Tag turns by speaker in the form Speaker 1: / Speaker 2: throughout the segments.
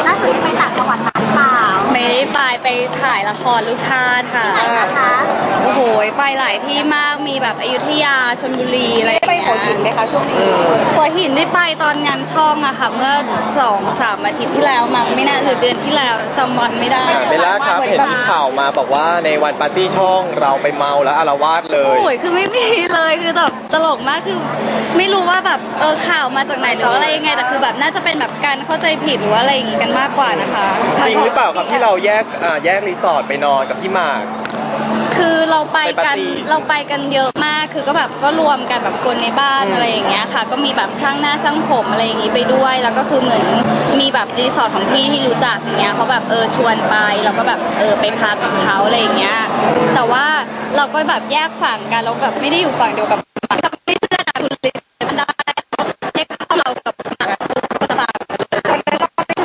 Speaker 1: ล่าสุดที่ไปต่างจังหวัดมาหรือเปล่า
Speaker 2: ไม่ได้ไปถ่ายละครลูกท่าสค่ะ
Speaker 1: ที่ไหนนะคะ
Speaker 2: โอ้โหไปหลายที่มากมีแบบอยุธยาชลบุรีอะไรอย่าง
Speaker 3: ไป
Speaker 2: เงี้ย
Speaker 3: หัวหินไหมคะช่วงนี้
Speaker 2: หัวหินได้ไปตอนงานช่องอะค่ะเมื่อ2-3 อาทิตย์ที่แล้วมั้งไม่น่าหรือเดือนที่แล้วจำวันไม่ได้
Speaker 4: เบลล่าครับเห็นมีข่าวมาบอกว่าในวันปาร์ตี้ช่องเราไปเมาแล้วอาละวาดเลย
Speaker 2: โอ้ยคือไม่มีเลยคือแบบตลกมากคือไม่รู้ว่าแบบข่าวมาจากไหนหรืออะไรยังไงแต่คือแบบน่าจะเป็นแบบการเข้าใจผิดหรือว่าอะไรอย่างงี้กันมากกว่านะคะ
Speaker 4: จริงหรือเปล่าครับที่เราแยกรีสอร์ทไปนอนกับพี่หมาก
Speaker 2: คือเราไปกันเยอะมากคือก็แบบก็รวมกันแบบคนในบ้านอะไรอย่างเงี้ยค่ะก็มีแบบช่างหน้าช่างผมอะไรอย่างงี้ไปด้วยแล้วก็คือเหมือนมีแบบรีสอร์ทของพี่ที่รู้จักอย่างเงี้ยเขาแบบชวนไปแล้วก็แบบไปพักกับเขาอะไรอย่างเงี้ยแต่ว่าเราก็แบบแยกฝั่งกันเราแบบไม่ได้อยู่ฝั่งเดียวกับไม่เชื่อนะคุณลิซมันได้เช็คเข้าเรากับคนละฝั่งมันแบบ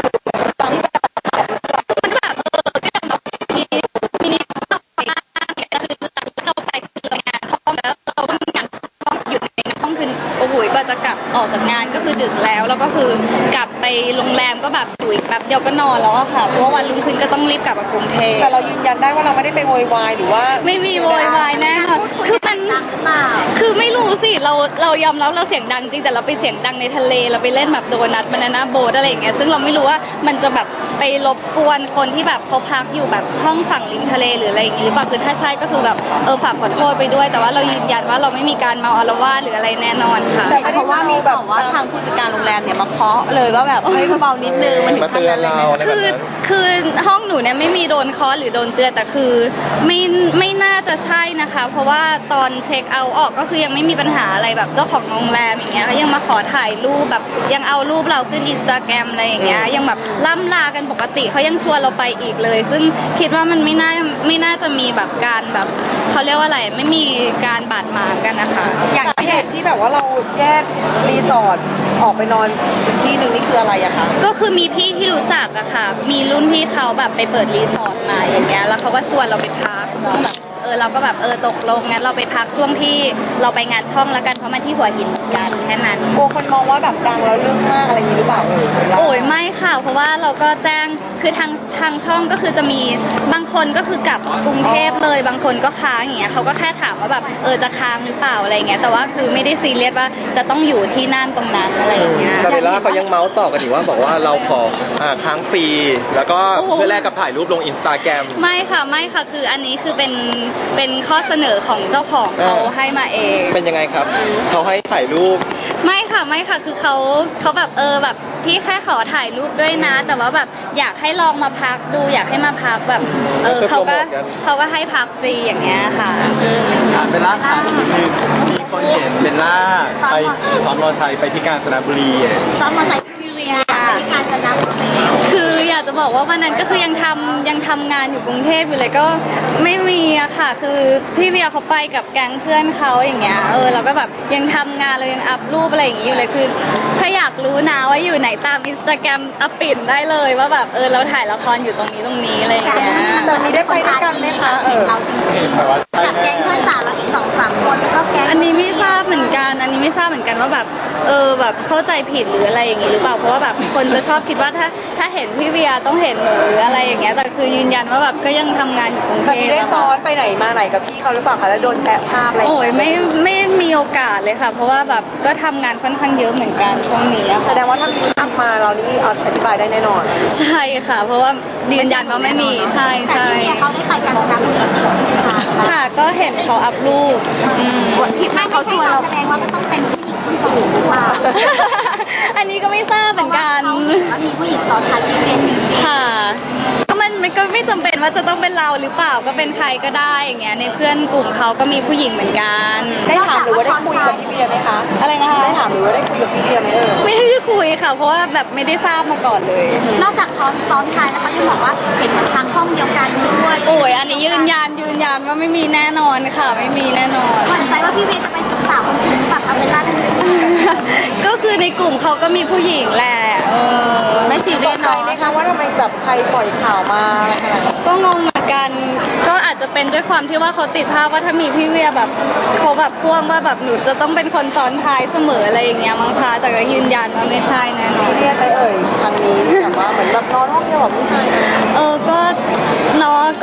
Speaker 2: มีต้องไปเนี่ยคือเราไปคืองานช่องแล้วเราต้องงานช่องอยู่ในงานช่องคือโอ้โหกว่าจะกลับออกจากงานก็คือดึกแล้วก็คือกลับไปโรงแรมก็แบบอยู่อีกแบบเดียวก็นอนแล้วอะค่ะเพราะวันรุ่งขึ้นก็ต้องรีบกลับมากรุงเทพ
Speaker 3: แต่เรายืนยันได้ว่าเราไม่ได้ไปโวยวายหรือว่า
Speaker 2: ไม่มีโวยวายแน่นอนคือมันคือไม่รู้สิเรายอมรับเราเสียงดังจริงแต่เราไปเสียงดังในทะเลเราไปเล่นแบบโดนัทบานาน่าโบ๊ทอะไรอย่างเงี้ยซึ่งเราไม่รู้ว่ามันจะแบบไปรบกวนคนที่แบบเขาพักอยู่แบบห้องฝั่งริมทะเลหรืออะไรอย่างงี้หรือเปล่าคือถ้าใช่ก็คือแบบฝากขอโทษไปด้วยแต่ว่าเรายืนยันว่าเราไม่มีการเมาอาละวาดหรืออะไรแน่นอนค่ะ
Speaker 1: เพราะว่ามีแบบว่าทางผู้จัดการโรงแรมเนี่ยมาเคาะเลยว่าแบบเฮ้ยเบาๆนิดนึงมันถึงขั้นนั้นเลย
Speaker 2: คือห้องหนูเนี่ยไม่มีโดนเคาะหรือโดนเตือนแต่คือไม่น่าจะใช่นะคะเพราะว่าตอนเช็คเอาท์ออกก็คือยังไม่มีปัญหาอะไรแบบเจ้าของโรงแรมอย่างเงี้ยเขายังมาขอถ่ายรูปแบบยังเอารูปเราขึ้น Instagram อะไรอย่างเงี้ยยังแบบล่ำลากันปกติเขายังชวนเราไปอีกเลยซึ่งคิดว่ามันไม่น่าจะมีแบบการแบบเขาเรียกว่าอะไรไม่มีการบาดหมางกันนะคะ
Speaker 3: อย่างเหตุที่แบบว่าเราแยกรีสอร์ทออกไปนอนอีกที่หนึ่งนี่คืออะไรอะคะ
Speaker 2: ก็คือมีพี่ที่รู้จักอะค่ะมีรุ่นพี่เขาแบบไปเปิดรีสอร์ทมาอย่างเงี้ยแล้วเขาก็ชวนเราไปพักเราก็แบบตกลงงั้นเราไปพักช่วงที่เราไปงานช่องแล้วกันเพราะมันที่หัวหินเหมือนกันแค่นั้น
Speaker 3: กลัวคนมองว่าแบบดังแล้วเรื่องมากอะไรอย่างนี้หรือเปล่า
Speaker 2: โอ้ยไม่ค่ะเพราะว่าเราก็แจ้งคือทางช่องก็คือจะมีบางคนก็คือกลับกรุงเทพเลยบางคนก็ค้างอย่างเงี้ยเขาก็แค่ถามว่าแบบจะค้างหรือเปล่าอะไรเงี้ยแต่ว่าคือไม่ได้ซีเรียสว่าจะต้องอยู่ที่นั่นตรงนั้นอะไรอย่างเงี้ย
Speaker 4: แต่เวลาเขายังเมาส์ต่อกันอยู่ว่าบอกว่าเราขอค้างฟรีแล้วก็เพื่อแลกกับถ่ายรูปลง Instagram
Speaker 2: ไม่ค่ะคืออันนี้คือเป็นข้อเสนอของเจ้าของเขาให้มาเอง
Speaker 4: เป็นยังไงครับเขาให้ถ่ายรูป
Speaker 2: ไม่ค่ะคือเขาแบบแบบพี่แค่ขอถ่ายรูปด้วยนะแต่ว่าแบบอยากให้ลองมาพักดูอยากให้มาพักแบบเขาก็ให้พักฟรีอย่างเงี้ยค่ะ
Speaker 5: เบลล่าค่ะมีคนเห็นเบลล่าไปซ้อมมอเตอร์ไซค์ไปที่กาญจนบุรี
Speaker 1: ซ้อมมอเตอร์ไซค์พี่เวียที่กาญจนบุรี
Speaker 2: คืออยากจะบอกว่าวันนั้นก็คือยังทำงานอยู่กรุงเทพอยู่เลยก็ไม่มีอะค่ะคือพี่เวียเขาไปกับแก๊งเพื่อนเขาอย่างเงี้ยเราก็แบบยังทำงานเรายังอัพรูปอะไรอย่างงี้อยู่เลยคือถ้าอยากรู้นะว่าอยู่ไหนตาม Instagram อัพปิ่นได้เลยว่าแบบเราถ่ายละครอยู่ตรงนี้อะไรอย่างเงี้ย
Speaker 3: แต่มีได้ไปด้วยกันไหมคะ
Speaker 1: เราจริงๆกับแก๊งเพื่อนสาวแล้วอีก2-3 คนก็แก๊ง
Speaker 2: อันนี้ไม่ทราบเหมือนกันว่าแบบแบบเข้าใจผิดหรืออะไรอย่างงี้หรือเปล่าเพราะว่าแบบคนจะชอบคิดว่าถ้าเห็นพี่เวียต้องเห็นหนูหรืออะไรอย่างเงี้ยแต่คือยืนยันว่าแบบก็ยังทำงานอยู่กรุงเทพ
Speaker 3: ได้ซ้อนไปไหนมาไหนกับพี่เขาหรือเปล่าคะแล้วโดนแชร์ภาพอะไร
Speaker 2: โอ้ยไม่มีโอกาสเลยค่ะเพราะว่าแบบก็ทำงานค่อนข้างเยอะเหมือนกันช่วงนี้
Speaker 3: แสดงว่าถ้ามีภาพมาเรานี่อธิบายได้แน่นอน
Speaker 2: ใช่ค่ะเพราะว่ายืนยันว่าไม่มีใช่
Speaker 1: แต่พี่เวียเขาได้ไปกาญจนบุรีจริงใช่ไหมคะ
Speaker 2: ค่ะก็เห็นเขาอัพรูป
Speaker 1: ที่ไม่เขาชวนเราแสดงว่าก็ต้องเป็นผู้หญิงคนอื่นหรือเปล่า
Speaker 2: อันนี้ก็ไม่ทราบเหมือนกัน
Speaker 1: ว่ามีผู้หญิงซ้อนท้ายพี่เวียจริงๆ
Speaker 2: ค่ะมันก็ไม่จำเป็นว่าจะต้องเป็นเราหรือเปล่าก็เป็นใครก็ได้อย่างเงี้ยในเพื่อนกลุ่มเขาก็มีผู้หญิงเหมือนกัน
Speaker 3: ได้ถามหรือว่าได้คุยกับพี่เวียไหมคะ
Speaker 2: อะไรนะคะ
Speaker 3: ได้ถามหรือว่าได้คุยกับพี่เวียไหม
Speaker 2: ไม่ได้คุยค่ะเพราะว่าแบบไม่ได้ทราบมาก่อนเลย
Speaker 1: นอกจากซ้อนท้ายแล้วเขายังบอกว่าเห็นทางห้องเดียวกันด้วย
Speaker 2: โอ้ยอันนี้ยืนยันว่าไม่มีแน่นอนค่ะไม่มีแน่นอน
Speaker 1: หวั่นใจว่าพี่เวียจะไปศึกษาคนอื่นแบบเอาเวลาทั้ง
Speaker 2: ก็คือในกลุ่มเขาก็มีผู้หญิงแหละ
Speaker 3: ไม่ซีเรียสเนาะไหมคะว่าทำไมแบบใครปล่อยข่าวมาขนาดนั้น
Speaker 2: ก็งงเหมือนกันก็อาจจะเป็นด้วยความที่ว่าเขาติดภาพว่าถ้ามีพี่เวียแบบเขาแบบพ่วงว่าแบบหนูจะต้องเป็นคนซ้อนท้ายเสมออะไรอย่างเงี้ยมั้งคะแต่ก็ยืนยันว่าไม่ใช่แน่นอน
Speaker 3: เรียกไปทางนี้แบบว่าเหมือนแบบนอนห้อง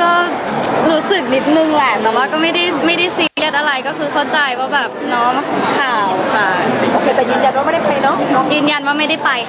Speaker 2: ก็รู้สึกนิดนึงแหละแต่ว่าก็ไม่ได้ซีเรียสอะไรก็คือเข้าใจว่าแบบเนาะข่าวค่ะ
Speaker 3: โอเคแต่ยืนยันว่าไม่ได้ไปเนาะ
Speaker 2: ยืนยันว่าไม่ได้ไป